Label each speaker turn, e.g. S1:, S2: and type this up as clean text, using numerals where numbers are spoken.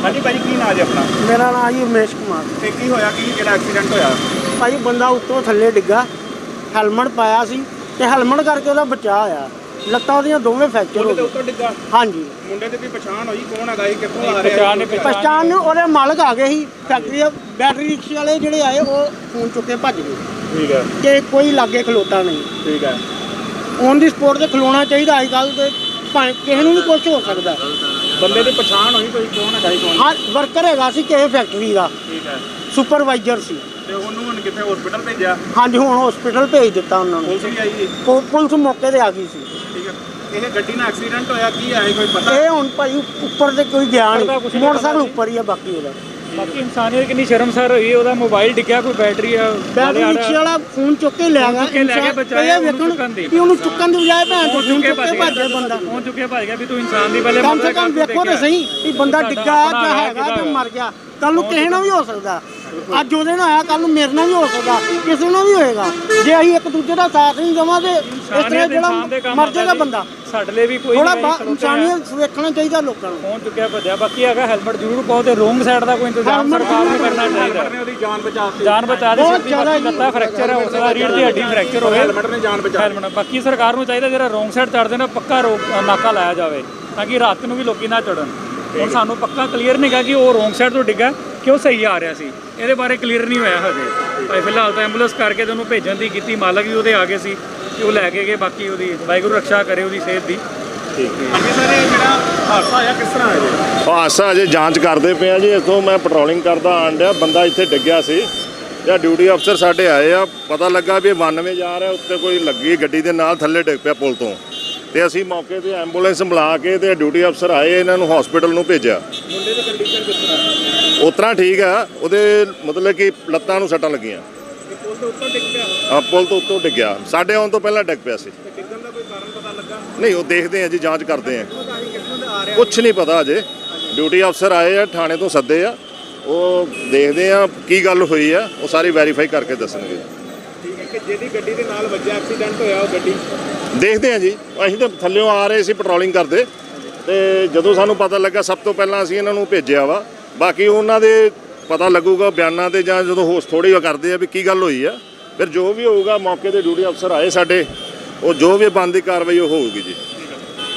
S1: हाँ जी भाई, की नाम है अपना?
S2: मेरा नाम जी उमेश कुमार।
S1: ਤੇ ਕੀ ਹੋਇਆ ਕਿ ਜਿਹੜਾ ਐਕਸੀਡੈਂਟ ਹੋਇਆ?
S2: ਭਾਈ ਬੰਦਾ ਉੱਤੋਂ ਥੱਲੇ ਡਿੱਗਾ, ਹੈਲਮਟ ਪਾਇਆ ਸੀ ਤੇ ਹੈਲਮਟ ਕਰਕੇ ਉਹਦਾ ਬਚਾਅ ਹੋਇਆ। ਲੱਤਾਂ ਉਹਦੀਆਂ ਦੋਵੇਂ ਫ੍ਰੈਕਚਰ ਹੋ
S1: ਉਹਦੇ
S2: ਗਏ।
S1: ਉੱਤੋਂ ਡਿੱਗਾ?
S2: ਹਾਂਜੀ।
S1: ਮੁੰਡੇ ਦੀ ਵੀ ਪਛਾਣ ਹੋਈ ਕੌਣ ਹੈਗਾ ਸੀ, ਕਿੱਥੋਂ ਆ ਰਿਹਾ ਸੀ?
S2: ਪਛਾਣ ਉਹਦੇ ਮਾਲਕ ਆ ਗਏ ਸੀ ਫੈਕਟਰੀ ਦੇ। ਬੈਟਰੀ ਰਿਕਸ਼ੇ ਵਾਲੇ ਜਿਹੜੇ ਆਏ ਉਹ ਫੋਨ ਚੁੱਕ ਕੇ ਭੱਜ ਗਏ।
S1: ਠੀਕ ਹੈ।
S2: ਕਿ ਕੋਈ ਲਾਗੇ ਖਲੋਤਾ ਨਹੀਂ।
S1: ਠੀਕ ਹੈ।
S2: ਔਨ ਦੀ ਸਪੋਟ ਤੇ ਖਲੋਣਾ ਚਾਹੀਦਾ ਅੱਜ ਕੱਲ੍ਹ ਤੇ ਭਾਵੇਂ ਕਿਸੇ ਨੂੰ ਵੀ ਕੁਝ ਹੋ ਸਕਦਾ।
S1: ਬੰਦੇ ਦੀ ਪਛਾਣ ਹੋਈ ਕੋਈ ਕੌਣ ਹੈਗਾ ਸੀ ਕੌਣ?
S2: ਹਾਂ, ਵਰਕਰ ਹੈਗਾ ਸੀ ਕਿਸੇ ਫੈਕਟਰੀ ਦਾ,
S1: ਠੀਕ ਹੈ।
S2: ਸੁਪਰਵਾਈਜ਼ਰ ਸੀ।
S1: ਤੇ ਉਹਨੂੰ ਹੁਣ ਕਿੱਥੇ ਹਸਪੀਟਲ ਭੇਜਿਆ?
S2: ਹਾਂਜੀ, ਹੁਣ ਹਸਪੀਟਲ ਭੇਜ ਦਿੱਤਾ ਉਹਨਾਂ ਨੂੰ।
S1: ਪੁਲਿਸ ਵੀ ਆਈ ਜੀ?
S2: ਪੁਲਿਸ ਮੌਕੇ ਤੇ ਆ ਗਈ ਸੀ।
S1: ਠੀਕ ਹੈ। ਇਹ ਗੱਡੀ ਨਾਲ ਐਕਸੀਡੈਂਟ ਹੋਇਆ ਕੀ ਹੈ ਕੋਈ ਪਤਾ?
S2: ਇਹ ਹੁਣ ਭਾਈ ਉੱਪਰ ਤੇ ਕੋਈ ਗਿਆ ਨਹੀਂ, ਮੋਟਰਸਾਈਕਲ ਉੱਪਰ ਹੀ ਆ ਬਾਕੀ ਉਹਦਾ।
S3: ਬਾਕੀ ਇਨਸਾਨੀਅਤ ਕਿੰਨੀ ਸ਼ਰਮਸਾਰ ਹੋਈ। ਉਹਦਾ ਮੋਬਾਈਲ ਡਿੱਗਿਆ, ਕੋਈ ਬੈਟਰੀ ਆ,
S2: ਬੈਟਰੀ ਰਿਕਸ਼ੇ ਵਾਲਾ ਫੋਨ ਚੁੱਕ ਕੇ ਲੈ ਗਿਆ।
S3: ਬਚਾਇਆ
S2: ਵੇਖਣ ਕਿ ਉਹਨੂੰ ਚੁੱਕਣ ਦੀ ਬਜਾਏ ਭੈਣ ਚੋਦ ਫੋਨ ਚੁੱਕ ਕੇ ਭੱਜ ਗਿਆ ਬੰਦਾ।
S3: ਫੋਨ ਚੁੱਕ ਕੇ ਭੱਜ ਗਿਆ ਵੀ ਤੂੰ ਇਨਸਾਨ ਦੀ ਪਹਿਲੇ
S2: ਕਮ ਸੇ ਕਮ ਵੇਖੋ ਤੇ ਸਹੀ ਵੀ ਬੰਦਾ ਡਿੱਗਾ ਜਾਂ ਹੈਗਾ ਜਾਂ ਮਰ ਗਿਆ। ਕੱਲ ਨੂੰ ਕਿਸੇ ਨਾਲ ਵੀ ਹੋ ਸਕਦਾ। ਅੱਜ ਉਹਦੇ ਨਾਲ ਆਇਆ, ਕੱਲ ਨੂੰ ਮੇਰੇ ਨਾਲ ਵੀ ਹੋ ਸਕਦਾ, ਕਿਸੇ ਨਾਲ ਵੀ ਹੋਏਗਾ। ਜੇ ਅਸੀਂ ਇੱਕ ਦੂਜੇ ਦਾ ਸਾਥ ਨਹੀਂ ਦੇਵਾਂਗੇ ਇਸ ਤਰ੍ਹਾਂ ਜਿਹੜਾ ਮਰ ਜਾਏਗਾ ਬੰਦਾ।
S3: ਸਾਡੇ ਲਈ ਵੀ ਕੋਈ
S2: ਥੋੜਾ ਇਨਸਾਨੀਅਤ ਵੇਖਣਾ ਚਾਹੀਦਾ ਲੋਕਾਂ ਨੂੰ।
S3: ਫੋਨ ਚੁੱਕਿਆ ਭੱਜਿਆ। ਬਾਕੀ ਹੈਗਾ ਹੈਲਮਟ ਜ਼ਰੂਰ ਪਾਓ ਤੇ ਰੋਂਗ ਸਾਈਡ ਦਾ ਕੋਈ ਇੰਤਜ਼ਾਮ ਸਰਕਾਰ ਨੂੰ ਕਰਨਾ ਚਾਹੀਦਾ।
S1: ਉਹਦੀ ਜਾਨ ਬਚਾਤੀ।
S3: ਜਾਨ ਬਚਾ ਦੇ ਸਕਦੀ। ਬਾਕੀ ਲੱਤਾਂ ਫ੍ਰੈਕਚਰ ਹੈ, ਉਸ ਦਾ ਰੀੜ ਦੀ ਹੱਡੀ ਫ੍ਰੈਕਚਰ ਹੋਵੇ,
S1: ਹੈਲਮਟ ਨੇ ਜਾਨ ਬਚਾ।
S3: ਹੈਲਮਟ ਬਾਕੀ ਸਰਕਾਰ ਨੂੰ ਚਾਹੀਦਾ ਜਿਹੜਾ ਰੋਂਗ ਸਾਈਡ ਚੜਦੇ ਨੇ ਪੱਕਾ ਨਾਕਾ ਲਾਇਆ ਜਾਵੇ ਤਾਂ ਕਿ ਰਾਤ ਨੂੰ ਵੀ ਲੋਕੀ ਨਾ ਚੜਨ। ਹੁਣ ਸਾਨੂੰ ਪੱਕਾ ਕਲੀਅਰ ਨਹੀਂ ਗਾ ਕਿ ਉਹ ਰੋਂਗ ਸਾਈਡ ਤੋਂ ਡਿੱਗਾ ਕਿ ਉਹ ਸਹੀ ਆ ਰਿਹਾ ਸੀ। ਇਹਦੇ ਬਾਰੇ ਕਲੀਅਰ ਨਹੀਂ ਹੋਇਆ ਹਜੇ। ਭਾਈ ਫਿਲਹਾਲ ਤਾਂ ਐਂਬੂਲੈਂਸ ਕਰਕੇ ਤੇ ਉਹਨੂੰ ਭੇਜਣ ਦੀ ਕੀਤੀ। ਮਾਲਕ ਵੀ ਉਹਦੇ ਆ ਗਏ ਸੀ ਕਿ ਉਹ ਲੈ ਕੇ ਗਏ। ਬਾਕੀ ਉਹਦੀ ਵਾਹਿਗੁਰੂ ਰੱਖਿਆ ਕਰੇ ਉਹਦੀ ਸਿਹਤ ਦੀ।
S1: ਹਾਂਜੀ ਸਰ, ਇਹ ਜਿਹੜਾ ਹਾਦਸਾ ਹੋਇਆ ਕਿਸ ਤਰ੍ਹਾਂ ਹੈ ਜੀ?
S4: ਹਾਦਸਾ ਅਜੇ ਜਾਂਚ ਕਰਦੇ ਪਏ ਆ ਜੀ। ਇੱਥੋਂ ਮੈਂ ਪੈਟਰੋਲਿੰਗ ਕਰਦਾ ਆਣ ਡਿਆ, ਬੰਦਾ ਇੱਥੇ ਡਿੱਗਿਆ ਸੀ ਜਾਂ ਡਿਊਟੀ ਅਫਸਰ ਸਾਡੇ ਆਏ ਆ। ਪਤਾ ਲੱਗਾ ਵੀ 92 ਜਾ ਰਿਹਾ, ਉੱਤੇ ਕੋਈ ਲੱਗੀ ਗੱਡੀ ਦੇ ਨਾਲ ਥੱਲੇ ਡਿੱਗ ਪਿਆ ਪੁਲ ਤੋਂ। ਤੇ ਅਸੀਂ ਮੌਕੇ ਤੇ ਐਂਬੂਲੈਂਸ ਬੁਲਾ ਕੇ ਤੇ ਡਿਊਟੀ ਅਫਸਰ ਆਏ, ਇਹਨਾਂ ਨੂੰ ਹਸਪੀਟਲ ਨੂੰ ਭੇਜਿਆ।
S1: ਮੁੰਡੇ ਦੀ ਕੰਡੀਸ਼ਨ ਕਿਸ ਤਰ੍ਹਾਂ?
S4: ਉਸ ਤਰ੍ਹਾਂ ਠੀਕ ਆ, ਉਹਦੇ ਮਤਲਬ ਕਿ ਲੱਤਾਂ ਨੂੰ ਸੱਟਾਂ ਲੱਗੀਆਂ।
S1: ਪੁਲ ਤੋਂ ਉੱਤੋਂ ਡਿੱਗ ਪਿਆ?
S4: ਪੁਲ ਤੋਂ ਉੱਤੋਂ ਡਿੱਗਿਆ, ਸਾਡੇ ਆਉਣ ਤੋਂ ਪਹਿਲਾਂ ਡਿੱਗ ਪਿਆ ਸੀ।
S1: ਡਿੱਗਣ ਦਾ ਕੋਈ ਕਾਰਨ ਪਤਾ ਲੱਗਾ?
S4: ਨਹੀਂ, ਉਹ ਦੇਖਦੇ ਆ ਜੀ, ਜਾਂਚ ਕਰਦੇ ਆ।
S1: ਕਿੱਥੋਂ ਦਾ ਆ ਰਿਹਾ?
S4: ਕੁਛ ਨਹੀਂ ਪਤਾ ਅਜੇ। ਡਿਊਟੀ ਅਫਸਰ ਆਏ ਆ, ਥਾਣੇ ਤੋਂ ਸੱਦੇ ਆ, ਉਹ ਦੇਖਦੇ ਆ ਕੀ ਗੱਲ ਹੋਈ ਆ, ਉਹ ਸਾਰੀ ਵੈਰੀਫਾਈ ਕਰਕੇ ਦੱਸਣਗੇ।
S1: ਠੀਕ ਹੈ। ਕਿ ਜਿਹਦੀ ਗੱਡੀ ਦੇ ਨਾਲ ਵੱਜਿਆ ਐਕਸੀਡੈਂਟ ਹੋਇਆ ਉਹ ਗੱਡੀ
S4: ਦੇਖਦੇ ਆ ਜੀ। ਅਸੀਂ ਤਾਂ ਥੱਲਿਓਂ ਆ ਰਹੇ ਸੀ ਪੈਟਰੋਲਿੰਗ ਕਰਦੇ, ਤੇ ਜਦੋਂ ਸਾਨੂੰ ਪਤਾ ਲੱਗਾ ਸਭ ਤੋਂ ਪਹਿਲਾਂ ਅਸੀਂ ਇਹਨਾਂ ਨੂੰ ਭੇਜਿਆ ਵਾ। ਬਾਕੀ ਉਹਨਾਂ ਦੇ ਪਤਾ ਲੱਗੂਗਾ ਬਿਆਨਾਂ ਤੇ, ਜਾਂ ਜਦੋਂ ਹੋਸ਼ ਥੋੜੀ ਕਰਦੇ ਆ ਵੀ ਕੀ ਗੱਲ ਹੋਈ ਆ, ਫਿਰ ਜੋ ਵੀ ਹੋਊਗਾ ਮੌਕੇ ਤੇ ਡਿਊਟੀ ਅਫਸਰ ਆਏ ਸਾਡੇ, ਉਹ ਜੋ ਵੀ ਬਣਦੀ ਕਾਰਵਾਈ ਉਹ ਹੋਊਗੀ ਜੀ।